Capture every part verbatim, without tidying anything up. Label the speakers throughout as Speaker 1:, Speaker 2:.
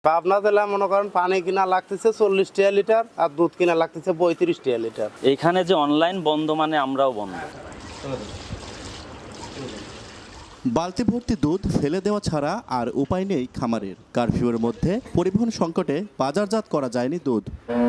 Speaker 1: পাবনা জেলা মনে করেন পানি কিনা লাগতেছে চল্লিশ টাকা লিটার আর দুধ কিনা লাগতেছে পঁয়ত্রিশ টাকা লিটার।
Speaker 2: এইখানে যে অনলাইন বন্ধ মানে আমরাও বন্ধ।
Speaker 3: বালতি ভর্তি দুধ ফেলে দেওয়া ছাড়া আর উপায় নেই খামারের। কারফিউর মধ্যে পরিবহন সংকটে বাজারজাত করা যায়নি দুধ।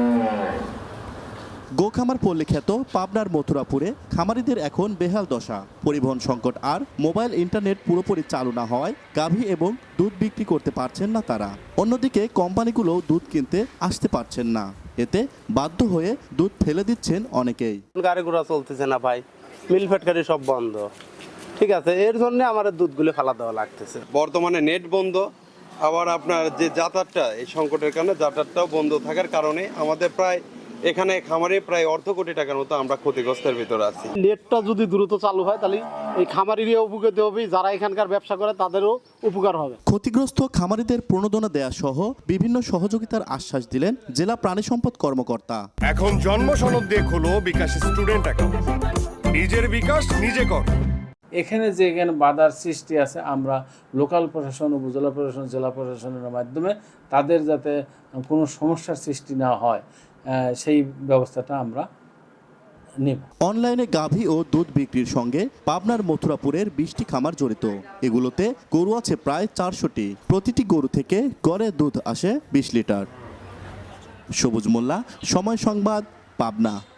Speaker 3: গোখামার পল্লী খ্যাত পাবনার মথুরাপুরে খামারিদের এখন বেহাল দশা। পরিবহন সংকট আর মোবাইল ইন্টারনেট পুরোপুরি চালু না হওয়ায় গাভী এবং দুধ বিক্রি করতে পারছেন না তারা। অন্যদিকে কোম্পানিগুলো দুধ কিনতে আসতে পারছেন না, এতে বাধ্য হয়ে দুধ ফেলে দিচ্ছেন অনেকেই।
Speaker 1: গাড়ি ঘোড়া চলতেছে না ভাই, মিল ফ্যাক্টরি সব বন্ধ, ঠিক আছে, এর জন্য আমাদের দুধগুলো ফেলা দেওয়া লাগতেছে।
Speaker 4: বর্তমানে নেট বন্ধ, আবার আপনার যে যাতায়াতটা এই সংকটের কারণে যাতায়াতটাও বন্ধ থাকার কারণে আমাদের প্রায় এখানে খামারে প্রায় অর্ধ কোটি টাকার মতো আমরা ক্ষতিগ্রস্তের ভিতরে আছি।
Speaker 5: নেটটা যদি দ্রুত চালু হয় তাহলে এই খামারিরও উপকৃত হবে, যারা এখানকার ব্যবসা করে তাদেরও উপকার হবে।
Speaker 3: ক্ষতিগ্রস্ত খামারিদের প্রণোদনা দেয়া সহ বিভিন্ন সহযোগিতার আশ্বাস দিলেন জেলা প্রাণী সম্পদ কর্মকর্তা।
Speaker 6: এখন জন্ম সনদ দিয়ে খোলো বিকাশ স্টুডেন্ট অ্যাকাউন্ট, নিজের বিকাশ নিজে কর।
Speaker 7: এখানে যে এখানে বাধার সৃষ্টি আছে, আমরা লোকাল প্রশাসন, উপজেলা প্রশাসন, জেলা প্রশাসনের মাধ্যমে তাদের যাতে কোনো সমস্যার সৃষ্টি না হয় সেই ব্যবস্থাটা আমরা নেব।
Speaker 3: অনলাইনে গাভী ও দুধ বিক্রির সঙ্গে পাবনার মথুরাপুরের বিশটি খামার জড়িত। এগুলোতে গরু আছে প্রায় চারশোটি। প্রতিটি গরু থেকে গড়ে দুধ আসে বিশ লিটার। সবুজ মোল্লা, সময় সংবাদ, পাবনা।